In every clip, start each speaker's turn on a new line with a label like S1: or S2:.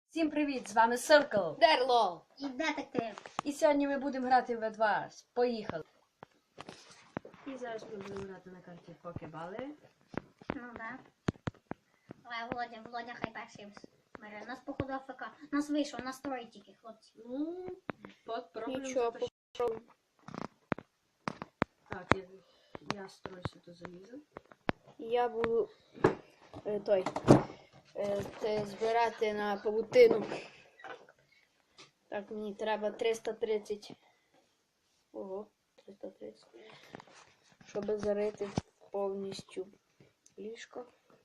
S1: Всім привіт! З вами Circle
S2: Дерло!
S3: І детектив.
S1: І сьогодні ми будемо грати в V2. Поїхали! І зараз ми будемо грати на карті Покебали.
S3: Ну да. Але Володя хай перший бере. Нас походу АФК. Нас вийшов, нас троє тільки, хлопці.
S1: Ну, попробуємо.
S2: Нічого, попробуємо.
S1: Так, я стройся до заліза.
S2: Я буду збирати на павутину. Так, мені треба 330. Ого, 330. Щоб зарити повністю ліжко.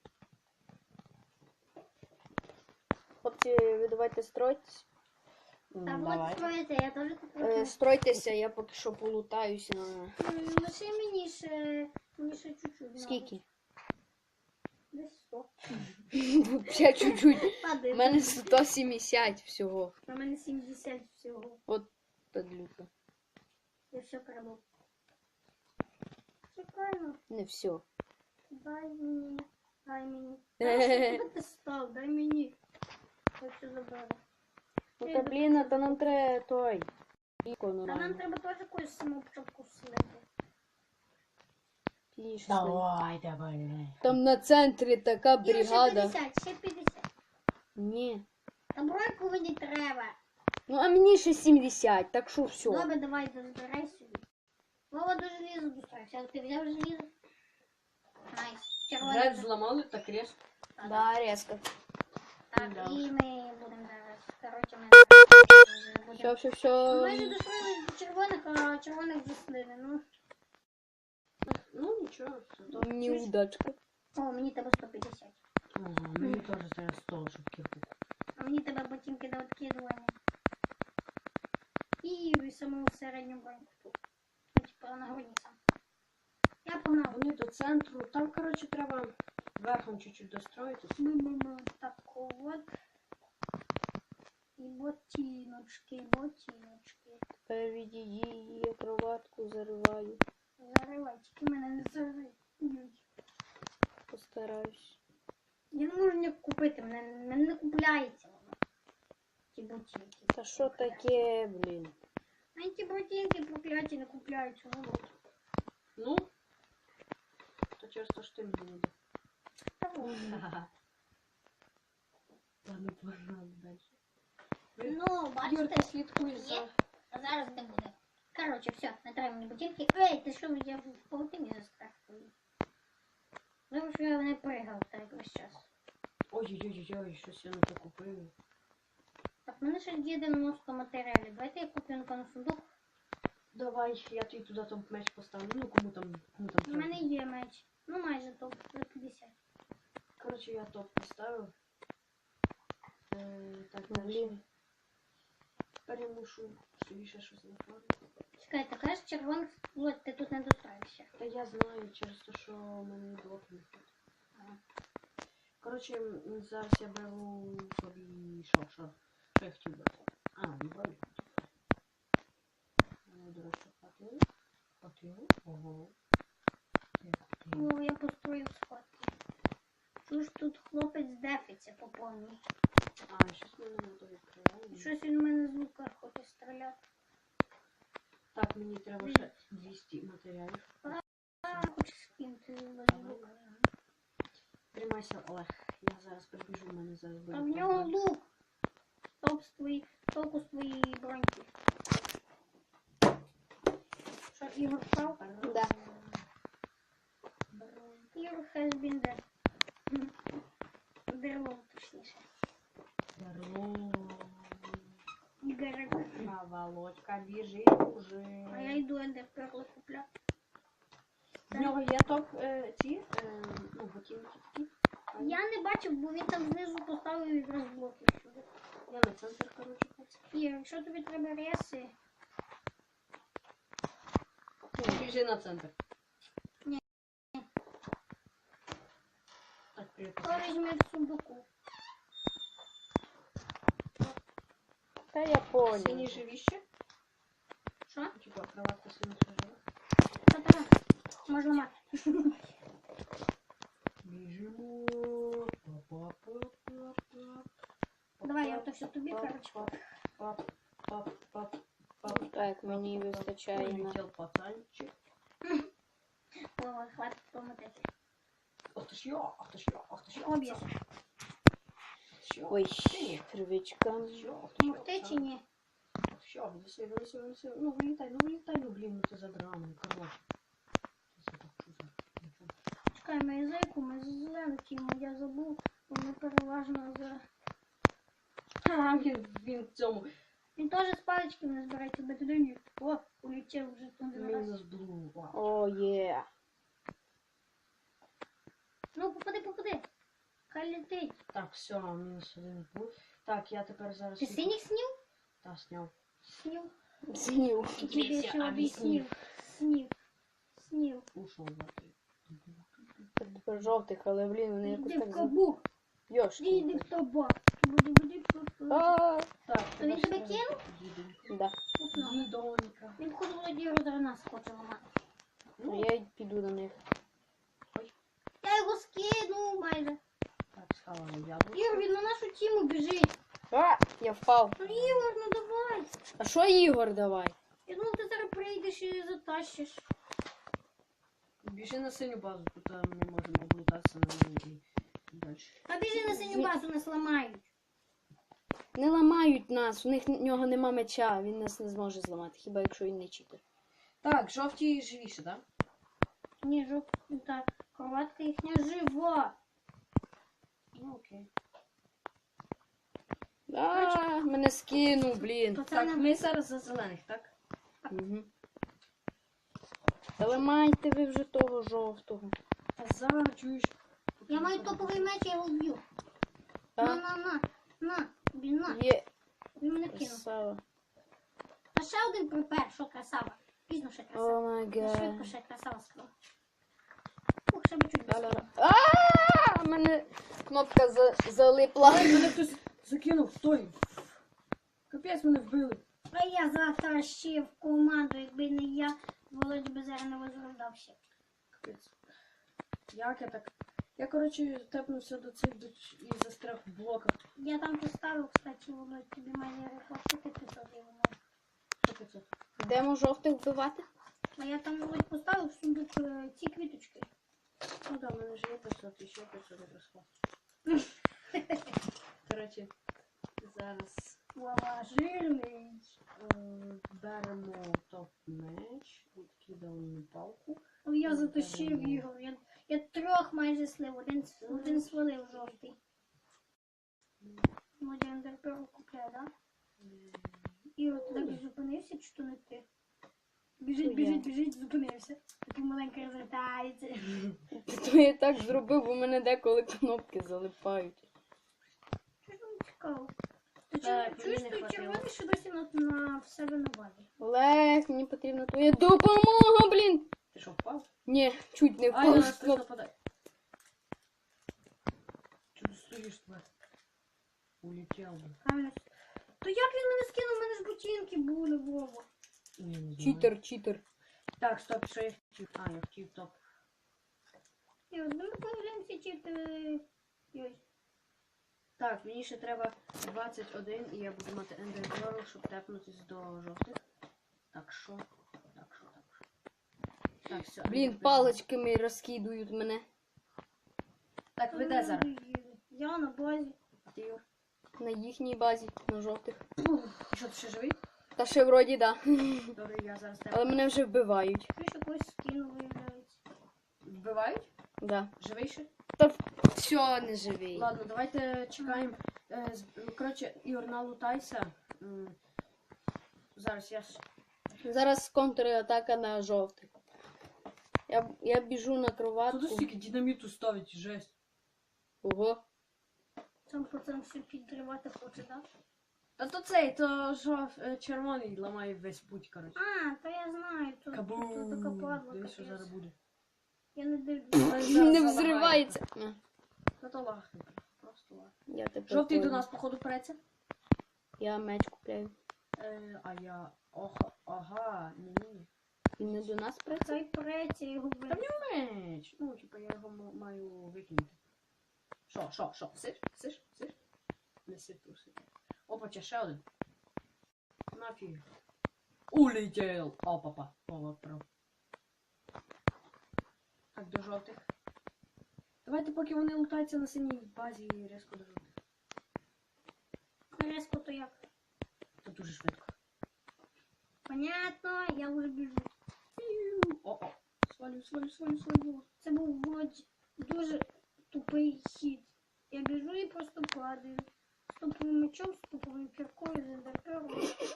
S2: Хлопці, ви давайте стройтесь.
S3: Та вот строїте, я теж тут.
S2: Стройтеся, я поки що полутаюся на...
S3: Лише мені ще чуть-чуть.
S2: Скільки?
S3: Десь 100.
S2: Ще чуть-чуть. У
S3: Падає.
S2: мене 170 всього.
S3: У мене 70 всього.
S2: От падлюка.
S3: Я все краду. Чекаю.
S2: Не все.
S3: Дай мені. Що ти став? Дай мені. Хочу забрати.
S2: Ну та блін, а то нам треба той.
S3: Та нам треба теж якусь саму початку слити.
S1: Давай.
S2: Там на центрі така
S3: І ще
S2: бригада.
S3: 50, ще 50.
S2: Ні.
S3: Та бройку мені треба.
S2: Ну а мені ще 70, так що все.
S3: Добре, давай, збирай собі. Вова до желіза достроївся. Ти взяв желізо? Найс.
S1: Град
S3: Червоне.
S1: зламали так резко.
S2: Да, резко.
S3: Так,
S1: Да.
S3: і ми будемо зараз. Коротше, ми
S2: Все,
S3: будемо.
S2: все,
S3: Ми вже
S2: все.
S3: достроїли червоних, а червоних заслили. Ну,
S1: Ну нічого, все добре.
S2: Неудачка.
S3: о, мені тебе 150.
S1: Ага, мені теж треба 100, щоб кихнути.
S3: А мені тебе ботинки до відкидування. І саму середню броньку тут. Ну, типу, нагрудниця. Я погнав.
S1: Вони до центру. Там, коротше, треба верхом чуть-чуть достроїтись.
S3: Так от. І ботиночки.
S2: Тепер відійди, я кроватку зариваю.
S3: Заривай, тільки мене не заривай.
S2: Постараюсь.
S3: Я не можу ніяк купити, мене не купляється воно. Ті ботинки.
S2: Та що таке, блін?
S3: А ті ботинки прокляті не купляються, Володь.
S1: Ну, то через те, що ти мені не дав.
S3: Та вот.
S1: Ха-ха. Ладно, погнали далі.
S3: Ну,
S1: Юр,
S3: бачите,
S1: ти слідкуй за...
S3: є. А зараз не буде. Короче, все, не треба мені ботинки. Ей, ти що, я в паутині застрахую. Тому що я не пригав так весь час.
S1: Ой-ой-ой, щось я не то купив.
S3: Так, в мене ще є 90 матеріалів. Давайте я куплю на сундук.
S1: Давай, я тобі туди там меч поставлю. Ну, кому там
S3: У
S1: треба.
S3: мене є меч. Ну, майже топ, за 50.
S1: Коротше, я топ поставив. Так, далі.
S2: Блін.
S1: Тепер я мушу собі ще щось нафармити.
S3: Чекай, ти кажеш червоних, вот, ти тут не достроїшся.
S1: Та я знаю через те, що в мене блок не ходить. Коротше, зараз я беру собі що я хотів брати? А, не брали. До речі, хватило. Ого.
S3: О, я построїв сходки. Чуєш, тут хлопець дефиться по повній.
S1: А, щось мене не то відкриває.
S3: Щось він в мене з лука хоче стріляти.
S1: Так, мені треба ще 200 матеріалів.
S3: А, хоче скинути з лука.
S1: Тримайся, Олег. Я зараз прибіжу, в мене зараз буде.
S3: А в нього лук. Толку з твоєї броньки. Що, Ігор впав?
S2: Да.
S3: Ігор has been dead. Дерло, точніше. Ігорик.
S1: А Володька біжить уже.
S3: А я йду ендерперли купляти.
S1: В нього є топ ну, ботинки такі.
S3: Я не бачив, бо він там знизу поставив якраз блоки всюди.
S1: Я на центр, коротше, хочу.
S3: Ігор, якщо тобі треба реси,
S1: Біжи на центр.
S3: Ні.
S1: Так, привіт.
S3: то візьми в сундуку.
S2: Та я понял.
S1: Сині живіще?
S3: Що?
S1: Типа, кроватка сині живе.
S3: Та-та, можна мати.
S1: Біжимо.
S3: Давай, я то все тобі, короче.
S1: Пап.
S2: Так, мені вистачає на...
S1: Улетел пацанчик.
S3: О, хватит помотати.
S1: Ах ты ж я.
S3: Об'єш.
S2: Ой, травичка.
S3: Могти чи ні?
S1: Все, вынеси. Ну, вылетай, ну, блин, ну ты задраный, короче.
S3: Чекай, ми язику, ми злетимо, я забув, бо ми переважно за...
S1: А, він в цьому.
S3: Він теж з палички не збирається бити. О, улетів вже туди раз.
S1: Мінус блу.
S2: О, є.
S3: Ну, попади. Хай летить.
S1: Так, все, мінус один блу. Так, я тепер зараз...
S3: Ти синіх снів?
S1: Та, сняв.
S3: Снів.
S2: Знів.
S3: Я тобі
S1: все
S3: все об'яснив.
S1: объяснил.
S3: Снів.
S1: Ушел за ти.
S2: Тепер жовтих, але, блін, вони якось
S3: Іди в
S2: так...
S3: кабук.
S2: Йошки.
S3: Іди в табак. Буди.
S2: А,
S1: Так,
S3: То він тебе кинув?
S2: да.
S1: Дідонька.
S3: Він походу Володію до нас хоче ламати.
S2: А я й піду до них.
S3: Я його скину майже.
S1: Так, схавали яблуко.
S3: Ігор, він на нашу тіму біжить.
S2: А, я впав.
S3: Ну, Ігор, ну давай.
S2: А що, Ігор, давай?
S3: Я думав, ти зараз прийдеш і затащиш.
S1: Біжи на синю базу, тут ми можемо облутатися на неї і далі.
S3: А біжи на синю базу, нас ламають.
S2: Не ламають нас, в нього нема меча, він нас не зможе зламати, хіба якщо він не читер.
S1: Так, жовті живіше, так?
S3: Ні, та кроватка їхня жива.
S1: Ну окей.
S2: А, мене скинув, блін.
S1: Так,
S3: Пацани,
S1: ми зараз за зелених, так?
S2: Угу. Та ламайте ви вже того жовтого.
S1: А зараз чуєш.
S3: я маю топовий меч, я його вб'ю.
S2: А?
S3: На, блін, на.
S2: Є
S3: Він мене кинув.
S2: красава.
S3: А ще один припер, що красава. Пізно ще
S2: О
S3: красава.
S2: май
S3: Швидко
S2: гад.
S3: ще красава сказала. Ух, ще би чуть
S2: Ла-ла-ла.
S3: без.
S2: А, мене кнопка залипла.
S1: Ай, мене хтось закинув, стой. Капець, мене вбили.
S3: А я затащив команду, якби не я, Володь би зараз не возрождався.
S1: Капець. Як я так? Я, коротше, тепнувся до цих і застряг в блоках.
S3: Я там поставив, кстати, Володь, тобі має репортити туди воно.
S1: Що це?
S2: Йдемо жовтих вбивати?
S3: А я там Володь поставив в сундук ці квіточки.
S1: Ну да, в мене ж є 500, і ще 500 якраз. Коротше, зараз
S3: Вова, жирний.
S1: беремо топ-меч, відкидаємо палку.
S3: О, я затащив його. Я трьох майже слив, один свалив жовтий. Володя ендерперу купляє, да? І от туди б зупинився, чи то не ти? Біжить, зупинився. Такий маленький розвертається.
S2: То я так зробив, бо мене деколи кнопки залипають.
S3: Що ж вам цікаво? Ти
S1: Так,
S3: чуєш,
S1: мені не
S3: той
S1: хватило.
S3: червоний ще досі на в себе на базі?
S2: Олег, мені потрібна твоя допомога, блін.
S1: Ти що, впав?
S2: Ні, чуть не
S1: Ай,
S2: впав.
S1: на
S2: з
S1: нас хтось
S2: кнопки.
S1: нападає. Чого ти стоїш, тварь? Улетів.
S3: Правильно. То як він мене скинув? У мене ж ботинки були, Вова.
S1: Я не знаю.
S2: Читер.
S1: Так, стоп, що я хотів? А, я хотів топ.
S3: І от ми поглянемося, чи ти... Ой.
S1: Так, мені ще треба 21, і я буду мати ендер, щоб тепнутися до жовтих. Так, що? Так, все.
S2: Блін, паличками розкидують мене.
S1: Так, ви де зараз?
S3: Я на базі.
S1: А ти, Юр?
S2: На їхній базі, на жовтих.
S1: Що, ти ще живий?
S2: Та ще вроді да.
S1: Добре, я зараз тебе.
S2: Але мене вже вбивають.
S3: Ти ще когось скинув, виявляється.
S1: Вбивають?
S2: Да.
S1: Живий ще?
S2: Та все, не живий.
S1: Ладно, давайте чекаємо. Коротше, Ігор, налутайся. Зараз я ж...
S2: Зараз контратака на жовтих. Я біжу на
S1: Тут
S2: кроватку.
S1: стільки динаміту ставить, жесть.
S2: Ого.
S3: Сам пацан все підривати хоче, так?
S1: Та то цей, то червоний ламає весь путь, коротше.
S3: А, то я знаю, то така
S1: Кабум!
S3: падла,
S1: Дивись, що
S3: капець.
S1: зараз буде.
S3: Я не дивлюсь.
S2: Не взривається.
S1: Ну то лахне. Просто лахне.
S2: Я тепер
S1: Жовтий до
S2: понял.
S1: нас, походу, преться.
S2: Я меч купляю.
S1: А я... Ага, ні.
S2: Він не до нас працює?
S3: Хай преться його
S1: Та в
S3: вбив.
S1: нього меч. Ну, типа, я його маю викинути. Що? Сиш? Неси тусити. Опа, ще один. Нафіг. Улетел. Опа-па. О, прав. Так, до жовтих. Давайте, поки вони лутаються на синій базі, різко до жовтих.
S3: Резко то як?
S1: Це дуже швидко.
S3: Понятно, я вже біжу.
S1: О-о. Свалю.
S3: Це був дуже тупий хід. Я біжу і просто падаю. З топовим мечом, з топовим кіркою, з ендерпером.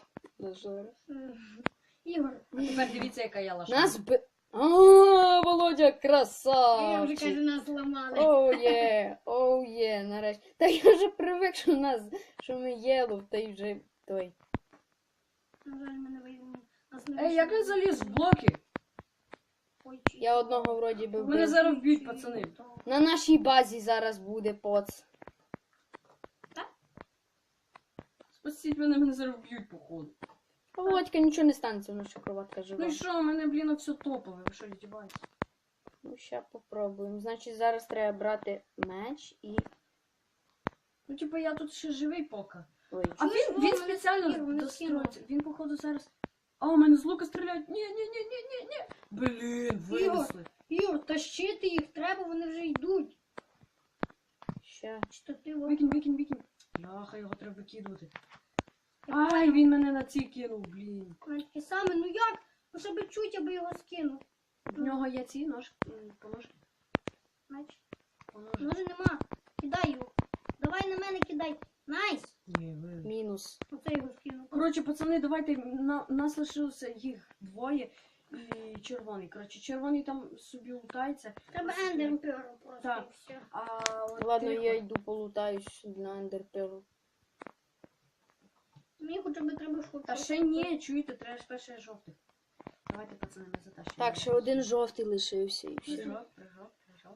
S3: Ігор,
S1: А тепер дивіться, яка я лаша.
S2: Нас би. А, Володя,
S3: я вже
S2: красавчик!
S3: кажу, нас зламали.
S2: Оу є, нарешті. Та я вже привик, що ми єлов, та й вже той.
S3: На жаль, мене вийшло. Нас не
S1: Ей, як я заліз в блоки?
S3: Ой,
S2: Я одного вроді би
S1: Мене
S2: вбив.
S1: зараз вб'ють, пацани.
S2: На нашій базі зараз буде поц.
S1: Спасіть мене зараз вб'ють, походу.
S2: Володька, нічого не станеться, воно що кроватка
S1: Ну
S2: жива.
S1: і що, у мене, блін, все топове, ви що, відібаєтесь?
S2: Ну, ща попробуємо. Значить, зараз треба брати меч і.
S1: Ну, типу, я тут ще живий поки.
S2: Ой,
S1: А він
S3: мене
S1: спеціально
S3: скинув, мене
S1: достроїться. Він, походу, зараз... А, у мене з лука стріляють. Ні. Блін, винесли.
S3: Ігор, тащити їх треба, вони вже йдуть.
S2: ща.
S3: Чи то ти от...
S1: Викинь. Яха, його треба викидувати. Ай, він мене на ці кинув, блін.
S3: Таке саме, ну як? Ну, щоб чуть, аби його скинув.
S1: В нього є ці поножки.
S3: Значить,
S1: Поножки.
S3: ножи нема. Кидай його. Давай на мене кидай. Найс!
S1: Ні, ви.
S2: Мінус.
S3: Оце його скинув.
S1: Коротше, пацани, давайте, нас лишилося їх двоє і червоний. Коротше, червоний там собі лутається.
S3: Треба ендерперу просто
S1: Так.
S3: і все.
S1: А от
S2: Ладно,
S1: тихо.
S2: я йду полутаюсь на ендерпелу.
S3: Мені хоча б треба швидко.
S1: Та ще ні, чуєте, треба ж перше жовтих. Давайте, пацани, ми затащимо.
S2: Так, ще один жовтий лишився і все.
S1: Прыжок.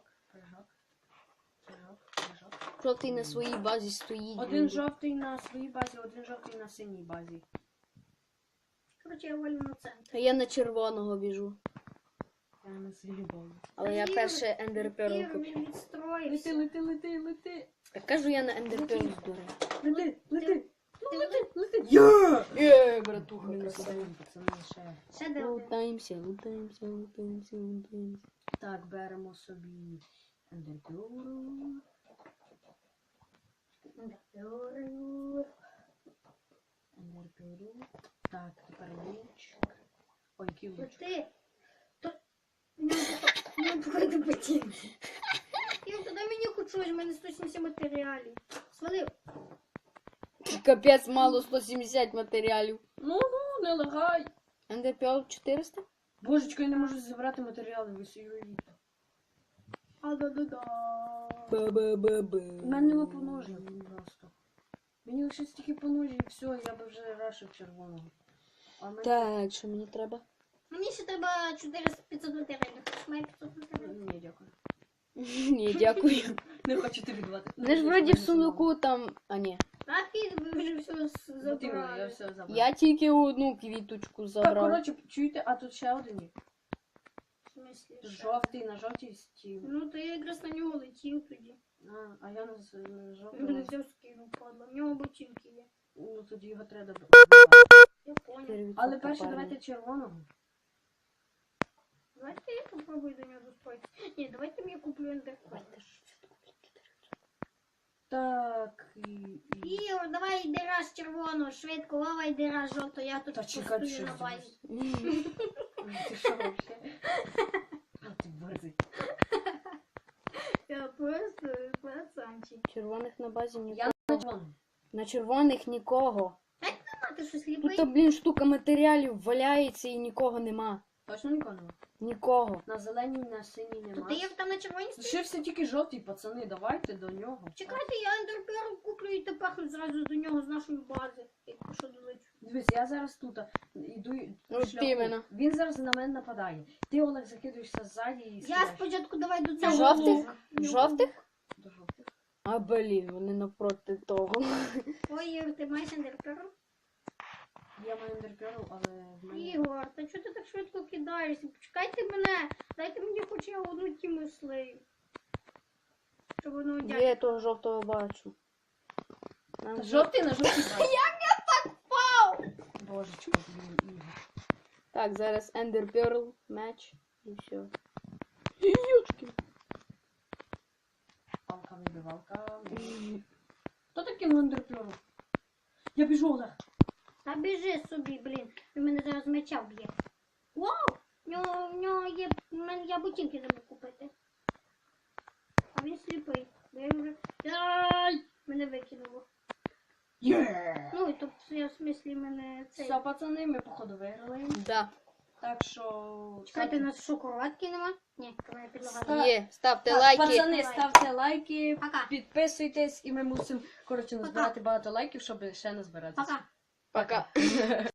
S2: Жовтий на своїй базі стоїть.
S1: Один жовтий на своїй базі, один жовтий на синій базі.
S3: Коротше, я валю на центр.
S2: А я на червоного біжу.
S1: Я на своїй базі.
S2: Але я перше ендерпелу
S3: Ігор,
S2: купив.
S3: він відстроївся.
S1: Лети.
S2: Так кажу, я на ендерпелу здурив.
S1: Лети.
S3: Ти
S1: Є!
S2: Братуха,
S1: Мінус
S2: красава.
S1: один, пацани, ще.
S3: ще де один?
S2: Лутаємося.
S1: Так, беремо собі ендерпюру. Ендерпюру. Так, тепер луч. Ой, який луч.
S3: Ти. Не буде ботинки. Ігор, тоді мені хоч щось, в мене 170 матеріалів. Свалив.
S2: Капець, мало 170 матеріалів.
S1: Ну, не лагай.
S2: Ендерпел 400?
S1: Божечко, я не можу зібрати матеріали, ви собі уявіть.
S3: А-да-да-да.
S2: Ба-ба-ба-ба.
S1: У мене нема поножів просто. Мені лише стільки поножів і все, я би вже рашив червоного. А в мене...
S2: Так, що мені треба?
S3: Мені ще треба 400-500 матеріалів. Хоч має 500 матеріалів.
S1: Ні, дякую.
S2: Ні, дякую.
S1: Не хочу тобі давати.
S2: Вони ж вроді в сундуку там. А ні.
S3: Так, і ви вже все
S1: От іменно, я
S3: забрали.
S1: все забрав.
S2: Я тільки одну квіточку
S1: Так,
S2: забрав.
S1: коротше, чуєте, а тут ще один є.
S3: В смислі, що?
S1: Жовтий на жовтій стіл.
S3: Ну, то я якраз на нього летів тоді.
S1: А я на
S3: Він не
S1: жовтого.
S3: взяв скинув, падла. В нього ботинки є.
S1: Ну тоді його треба.
S3: Я понял.
S1: Але перше давайте червоного.
S3: Давайте я попробую до нього достроїтися. Ні, давайте я куплю ендерпер.
S1: Так і...
S3: Ігор, давай йди раз червоного, швидко, Вова йди раз жовтого, я тут
S1: Та чекай,
S3: постою
S1: що
S3: на базі.
S1: Ти що вообще? А ти борзий.
S3: Я просто пацанчик.
S2: Червоних на базі
S1: Я
S2: нікого.
S1: на червоному.
S2: На червоних нікого.
S3: А ти щось
S2: Тут,
S3: ліпий?
S2: блін, штука матеріалів валяється і нікого нема.
S1: Точно нікого нема?
S2: Нікого.
S1: На зеленій, на синій
S3: То
S1: нема.
S3: ти як там на червоній стоїш?
S1: Лишився тільки жовтий, пацани, давайте до нього.
S3: Чекайте, я ендерпер куплю і тепер зразу до нього з нашої бази. Якщо долечу.
S1: Дивись, я зараз тут іду
S2: Ну,
S1: по шляху.
S2: ти мене.
S1: Він зараз на мене нападає. Ти, Олег, закидуєшся ззаді і
S3: Я
S1: стріляєш.
S3: спочатку давай до цього.
S2: Жовтих?
S3: Ну,
S2: Жовтих?
S1: До жовтих.
S2: А, блін, вони навпроти того.
S3: Ой, Ігор, ти маєш ендерперу?
S1: Я маю ендерперл, але в мене...
S3: Ігор, та чого ти так швидко кидаєшся? Почекайте мене. Дайте мені хоч я одну тіму слею. Щоб воно
S2: Я того жовтого бачу. Нам вже-
S1: Жовтий на жовтий.
S2: Як я так впав?
S1: Божечко, блін, Ігор.
S2: Так, зараз Ender Pearl, меч і все. Юшки.
S1: Палка вибивалка. Хто такий лендерплюру? Я біжу, Олег.
S3: Та біжи собі, блін. Він мене зараз меча вб'є. Вау! В нього є. Я ботинки забув купити. А він сліпий. Бо я вже. Ай! Мене викинуло.
S1: Є!
S3: Ну і тобто я в смислі мене цей.
S1: Все, пацани, ми походу виграли.
S2: Да.
S1: Так що...
S3: Чекайте, у нас що, кроватки нема? Ні, давай підлога.
S1: Ста-
S2: Є, ставте
S1: Так,
S2: лайки.
S1: пацани, ставте лайки,
S3: Пока.
S1: підписуйтесь, і ми мусимо, коротше, назбирати багато лайків, щоб ще назбиратися.
S3: Пока.
S2: Пока.